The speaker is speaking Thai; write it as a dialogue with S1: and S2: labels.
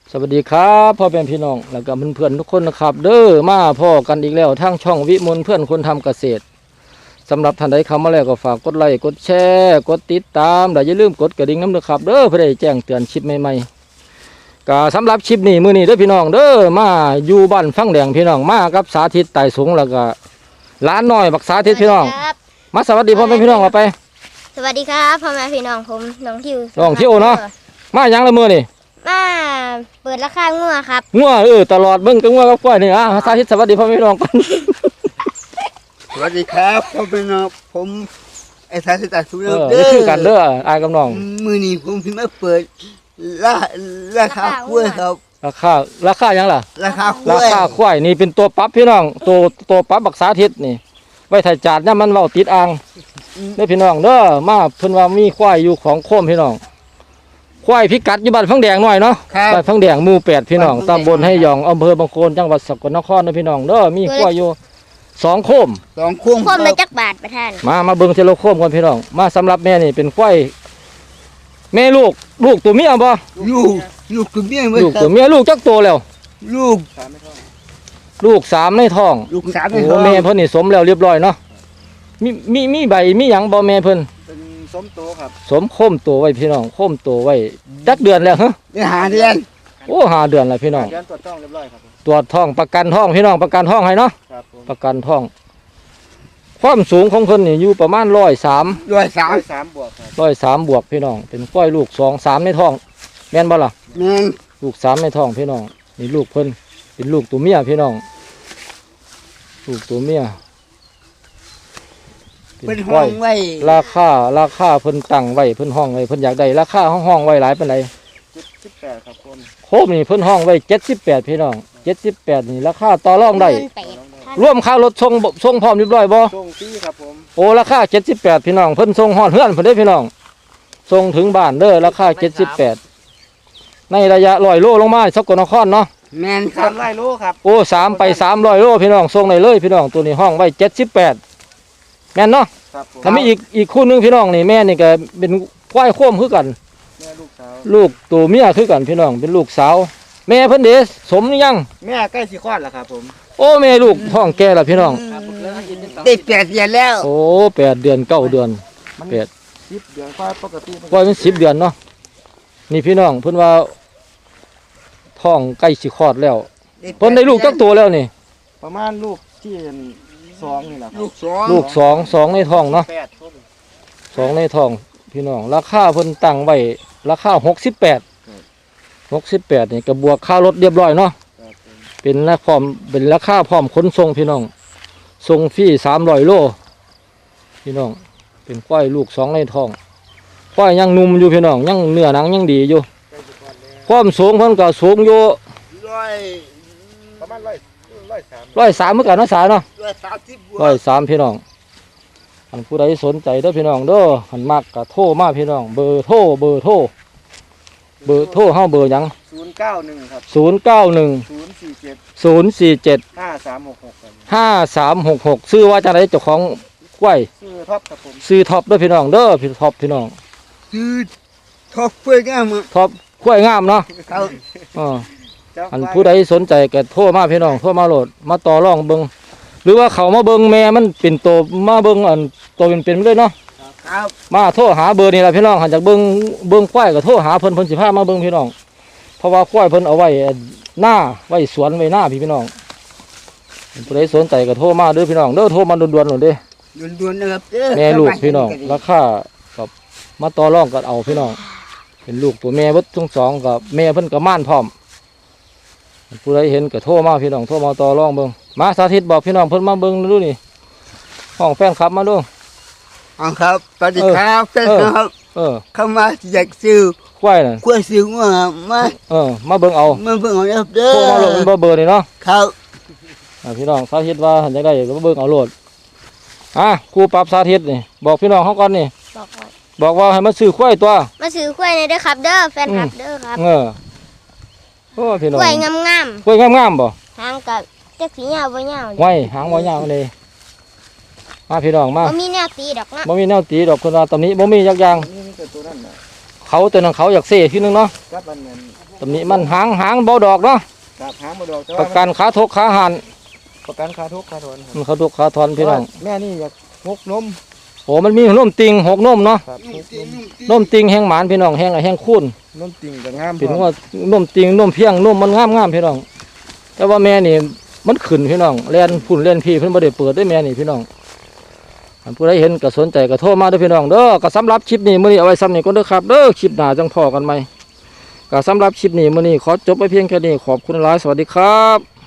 S1: สวัสดีครับพ่อเป็นพี่น้องแล้วก็เพื่อนๆทุกคนนะครับเด้อมาพ่อกันอีกแล้วทั้งช่องวิมลเพื่อนคนทำเกษตรสำหรับท่านใดเข้ามาแล้วก็ฝากกดไลค์กดแชร์กดติดตามและอย่าลืมกดกระดิ่งน้ำนะครับเด้อเพื่อได้แจ้งเตือนคลิปใหม่ๆก็สำหรับคลิปนี้มื้อนี้เด้อพี่น้องเด้อมาอยู่บ้านฟังแดงพี่น้องมากับสาธิตไต่สูงแล้วก็ร้านน้อยบักสาธิตพี่น้องมาสวัสดีพ่อเป็นพี่น้องเอาไป
S2: สวัสดีครับพ่อแม่พี่น้องผมน้องทิว
S1: น้องทิวเนาะมาอย่างละมื้อนี่
S2: มาเปิดราคางัวครับ
S1: งัวตลอดเบิ่งกับงัวกับกล้วยนี่สาธิตสวัสดีพ่อแม่พี่น้องกัน
S3: สวัสดีครับพ่อเป็นน้องผมไอ้สายสตาร์สุด
S1: เด้อคือกันเด้ออายกับน้อง
S3: มือนี้ผมพิมพ์มาเปิดราคากล้วยครับ
S1: ราคายังล่ะ
S3: ราคาก
S1: ล้วยนี่เป็นตัวปรับพี่น้องตัวปรับบักสาธิตนี่ไว้ถ่ายจาดเนี่ยมันเว้าติดอ่างเด้อพี่น้องเด้อมาเพิ่นว่ามีควายอยู่ของโคมพี่น้องควายพิกัดอยู่บ้านฟังแดงหน่อยเนาะบ้านฟังแดงหมู่8พี่น้องตำบลให้ยองอำเภอบางโคนจังหวัดสกลนครนะพี่น้องเด้อมีควายอยู่2โคม
S3: 2โคม
S2: โคมละจักบาทประธาน
S1: มาเบิ่งเทโลโคมก่อนพี่น้องมาสำหรับแม่นี่เป็นควายแม่ลูกตัวเมียบ่
S3: ลูกตัวเมีย
S1: ลูกตัวเมียลูกจักโตแล้ว
S3: ลูก
S1: 3ในท้อง
S3: ลูก3ในท้อง
S1: แม่เพิ่นนี่สมแล้วเรียบร้อยเนาะมีใบมีหยังบ่แม่เพิ่น
S3: เป็นสมโตครับ
S1: สมโคมโตไว้พี่น้องโคมโตไว้จักเดือนแล้วฮะ
S3: ได้5 เดือน
S1: โอ้5 เดือนแล้วพี่น้อง
S3: ตรวจท้องเรียบร้อยครับ
S1: ตรวจท้องประกันท้องพี่น้องประกันท้องให้เนาะประกันท้องความสูงของเพิ่นนี่อยู่ประมาณ103
S3: บวกครับ
S1: 103บวกพี่น้องเป็นก้อยลูก2 3ในท้องแม่นบ่ล่ะ
S3: แม่น
S1: ลูก3ในท้องพี่น้องนี่ลูกเพิ่นเป็นลูกตัวเมียพี่น้องลูกตัวเมีย
S3: เป็นห้องไว้
S1: ราคาเพิ่นตั้งไว้เพิ่นห้องไว้เพิ่นอยากได้ราคาห้องไว้หลายปานใด
S3: 78ครับ
S1: โคมนี่เพิ่นห้องไว้78พี่น้อง78นี่ราคาต่อรองได้รวมค่ารถส่งพร้อมเรียบร้อยบ่
S3: ส่งฟรีครับผม
S1: โอ้ราคา78พี่น้องเพิ่นส่งฮอดเฮือนเพิ่นเด้อพี่น้องส่งถึงบ้านเด้อราคา78ในระยะ100โลลงมาสกลนครเนาะ
S3: แม่นครับ100โลครับ
S1: โอ้3ไป300โลพี่น้องส่งได้เลยพี่น้องตัวนี้ห้องไว้78แม่นเนาะถ้ามีอีกคู่นึงพี่น้องนี่แม่นี่ก็เป็นควายโคมคือกัน
S3: แม่
S1: ลูกตัวเมียคือกันพี่น้องเป็นลูกสาวแม่เพิ่นเด้สมหรือยัง
S3: แม่ใกล้สิคลอดแล้วครับผม
S1: โอ้แม่ลูกท้องแก่แล้วพี่น้อง
S3: ได้8 เดือนแล้ว
S1: โอ้8 เดือน9 เดือน8
S3: 10 เดือนควายปกติ
S1: ควายมัน10 เดือนเนาะนี่พี่น้องเพิ่นว่าท้องใกล้สิคลอดแล้วเพิ่นได้ลูกจักตัวแล้วนี่
S3: ประมาณลูกที่2นี่แหละลู
S1: ก2ในท้องเนาะ2ในท้องพี่น้องราคาเพิ่นตั้งไว้ราคา68นี่ก็บวกค่ารถเรียบร้อยเนาะเป็นราคาพร้อมขนส่งพี่น้องส่งฟรี300โลพี่น้องเป็นควายลูก2ในท้องควายยังหนุ่มอยู่พี่น้องยังเนื้อหนังยังดีอยู่ความสูงเพิ่นก็สูงอยู่
S3: ประมาณ
S1: 103เหมือนกันเนาะสาเนาะ130พี่น้องอันผู้ใดสนใจเด้อพี่น้องเด้อหันมากก็โทรมาพี่น้องเบอร์โทรเฮาเบอร์หยัง
S3: 091ครับ
S1: 047 5366ชื่อว่าจังได๋เจ้าของกล้วย
S3: ชื่อท็อปครับผม
S1: ชื่อท็อปเด้อพี่น้องเด้อพี่ท็อปพี่น้อง
S3: ชื่อท็อปกล้วยงาม
S1: ท็อปกล้วยงามเนาะอันผู้ใดสนใจก็โทรมาพี่น้องโทรมาโหลดมาต่อรองเบิ่งหรือว่าเขามาเบิ่งแม่มันเป็นโตมาเบิ่งอันโตเป็นเลยเนาะมาโทรหาเบอร์นี่ล่ะพี่น้องหันจากเบิ่งควายก็โทรหาเพิ่นสิพามาเบิ่งพี่น้องเพราะว่าควายเพิ่นเอาไว้หน้าไว้สวนไว้หน้าพี่น้องผู้ใดสนใจก็โทรมาเด้อพี่น้องเด้อโทรมาด่วนๆหน่อยเด้
S3: ด่วนๆนะครับ
S1: แม่ลูกพี่น้องราคากับมาต่อรองกันเอาพี่น้องเป็นลูกตัวแม่เบิดทั้งสองกับแม่เพิ่นก็ม่านพร้อมผู้ใดเห็นก็โทรมาพี่น้องโทรมาต่อรองเบิ่งมาสาธิตบอกพี่น้องเพิ่นมาเบิ่งดูนี่ห้องแฟนคลับมาดู
S3: ครับสวัสดีครับแฟนครับเข้ามาอยากซื้อ
S1: ควายน่ะ
S3: ควายซื้อ
S1: มาเบิ่งเอา
S3: ครับเด้อ
S1: โทรมาโหลดเบอร์นี่เนาะ
S3: ครับ
S1: พี่น้องสาธิตว่าอยากได้ก็มาเบิ่งเอาโหลดครูปรับสาธิตนี่บอกพี่น้องเขาก่อนนี่บอกว่าให้มาซื้อควายตัว
S2: มาซื้อควายในเด้อครับเด้อแฟนคลับเด้อครับ
S1: โอ้พี่น้อง
S2: ควายงาม
S1: ควายงามบ่
S2: หางกับจักสียาวบ่ยาว
S1: ไว้หางบ่ยาวเลยมาพี่น้องมา
S2: บ่มีแนวตีดอกนะ
S1: บ่มีแนวตีดอกคนว่าตอนนี้บ่มียักอย่างเขาตัวนั้นเขาอยากเซ่พี่นึงเนาะตำหนิมันหางเบาดอกเนาะ
S3: ครับหางมาดอกแต่
S1: ประ
S3: ว่า
S1: กันขาทกขาหัน
S3: ประกันค่าทุกค่าถอน
S1: ขาทกขาทอนพี่น้อง
S3: แม่นี่อยากหกนม
S1: โอ้มันมีนมติง6นมเนาะ
S3: ครับหกนม
S1: นมติงแห้งหมานพี่น้องแห้งคูน
S3: นมติ่งกับงาม
S1: เป็นว่านมติงนมเพียงนมมันงามพี่น้องแต่ว่าแม่นี่มันขึ้นพี่น้องแล่นพุ่นแล่นพี่เพิ่นบ่ได้เปิดได้แม่นี่พี่น้องอันผู้ใดเห็นก็สนใจก็โทรมาเด้อพี่น้องเด้อก็สำหรับคลิปนี้มื้อนี้เอาไว้ซ้ำนี้ก่อนเด้อครับเด้อคลิปหน้าจังพอกันใหม่ก็สำหรับคลิปนี้มื้อนี้ขอจบไปเพียงแค่นี้ขอบคุณหลายสวัสดีครับ